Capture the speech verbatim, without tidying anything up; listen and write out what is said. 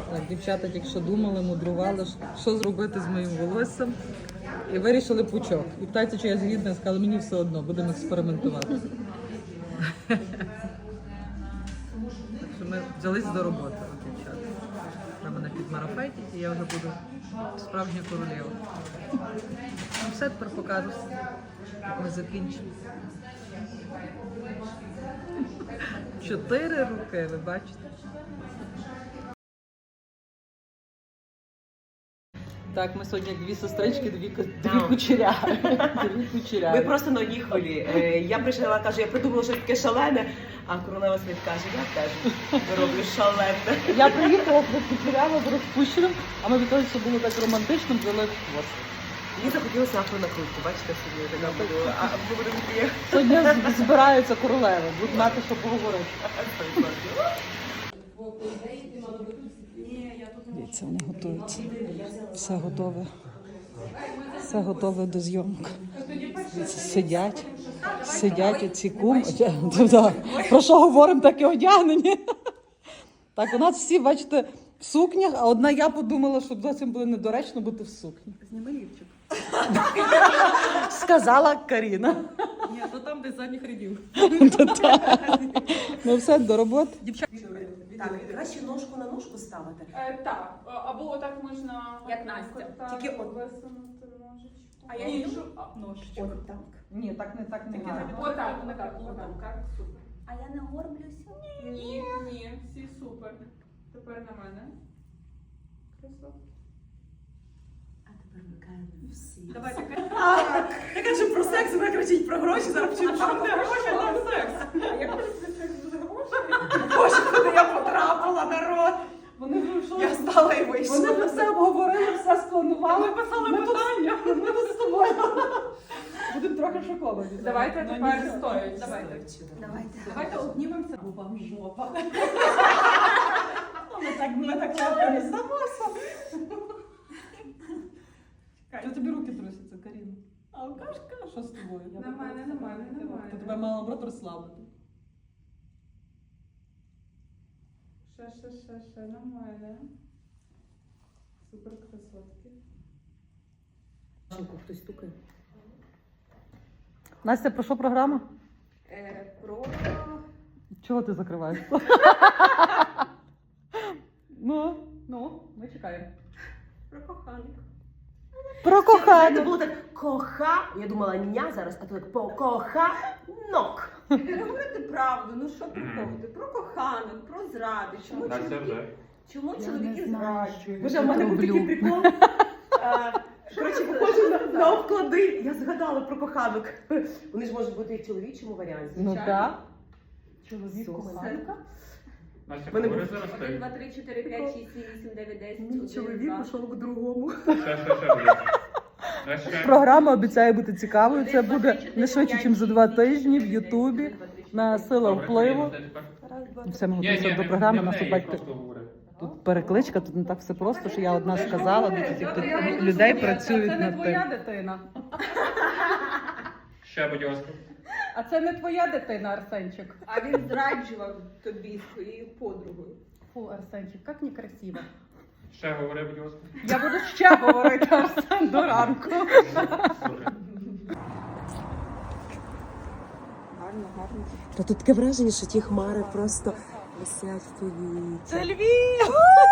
Так, дівчата тільки що думали, мудрували, що зробити з моїм волоссям. І вирішили пучок. І питається, чи я згідна, сказали, мені все одно, будемо експериментувати. Так що ми взялись до роботи, дівчата. Треба мене підмарафетить, і я вже буду справжня королева. Ну все, тепер покажу, як ми закінчимо. Чотири руки, ви бачите? Так, ми сьогодні як дві сестрички, дві, дві кучеряри. Дві кучеряри. Ми просто на одній хвилі. Е, Я прийшла, кажу, я придумала щось таке шалене, а королева світ каже, я теж роблю шалене. Я приїхала, кучеряла з розпущеним, а ми від того, що було так романтично, взяли хвост. Мені захотілося афронакрутку, бачите, собі така буду. А ми будемо такі. Сьогодні збираються королеви, будуть мати, що поговорити. Дивіться, вони готуються. Все готове. Все готове до зйомок. Дивіться, сидять, сидять оці кум. Про що говоримо, так і одягнені. Так, у нас всі, бачите, в сукнях, а одна я подумала, що зовсім було недоречно бути в сукні. Зніми лівчик. Сказала Каріна. Ні, то там, де задніх рядів. Ну все, до роботи. Так, краще ножку на ножку ставити. Е, так, або отак можна, Як Настя. так, Тільки от- висунути ножичку. А я іншу іншу? а, ножичку. От так. Ні, так не так не гарно. Отак, отак, отак, так, супер. А я не горблюся. Ні, ні, всі супер. Тепер на мене. Красотки. А тепер вмикаємо всі. Давайте. Я кажу про секс, вона кричить про гроші, зараз вчимо, що Там не гроші, там секс. А як це секс буде гроші? Боже, куди я потрапила, народ. Вони вийшли. Я стала і вийшла. Вони вже все обговорили, все спланували. Ми писали Ми тут- питання. Ми тут з тобою будемо трохи шоковані. Давайте Ну, тепер нічого. стоять. Давайте. Давайте. Давайте обнімемося. Бо вам жопа. Ми так, ми так легко не здамося. Що тобі руки трусяться, Каріна? Алкашка? Що з тобою? Я На так мене, просто на мене, на не мене. Ти тебе мала наоборот розслабити. Ще, ще, ще, ще, на мене. Супер красотки. Хтось стукає. Настя, про що програма? Е, про... Чого ти закриваєш? Ну, ну, ми чекаємо. Про коханок. Про Це кохання. було так коха, я думала ня зараз, а то так по коханок. Не говорити правду, ну що приходити? Про коханок, про зради. Чому Настя чоловіки, вже. чому Я чоловіки не знаю, зраджують? Боже, а в мене був такий прикол. А, Коротше, похоже на, на обклади. Я згадала про коханок. Вони ж можуть бути і в чоловічому варіанті. Ну звичайно. так. Чоловік Супер. коханка. Настя, Мене говори був- зараз Один, ти. два, три, чотири, п'ять, шість, сім, вісім, дев'ять, десять. Мій один, чоловік два. пішов к другому. Ще, ще, ще буде. А ще. Програма обіцяє бути цікавою. Це Один, два, буде три, чотири, не швидше, п'ять, ніж за шість, два сім, тижні в дев'ять, десять, Ютубі один, два, три, чотири, на п'ять. сила Добре, впливу. Каріна, тепер. Раз, два, Все, ми Ні, готуємося ні, до не- програми. не в Нас неї, тут бачите. просто говори. Тут перекличка, тут не так все просто, що я одна сказала, тут Та тут я буду людей слухати, працюють Це не над твоя тим. дитина. Ще, будь ласка. А це не твоя дитина, Арсенчик. А він зраджував тобі своєю подругою. Фу, Арсенчик, як некрасиво. Ще говори, будь ласка. Я буду ще говорити, Арсен, до ранку. Добре. Гарно, гарно. Та тут таке враження, що ті хмари просто висять в повітрі. Це Львів!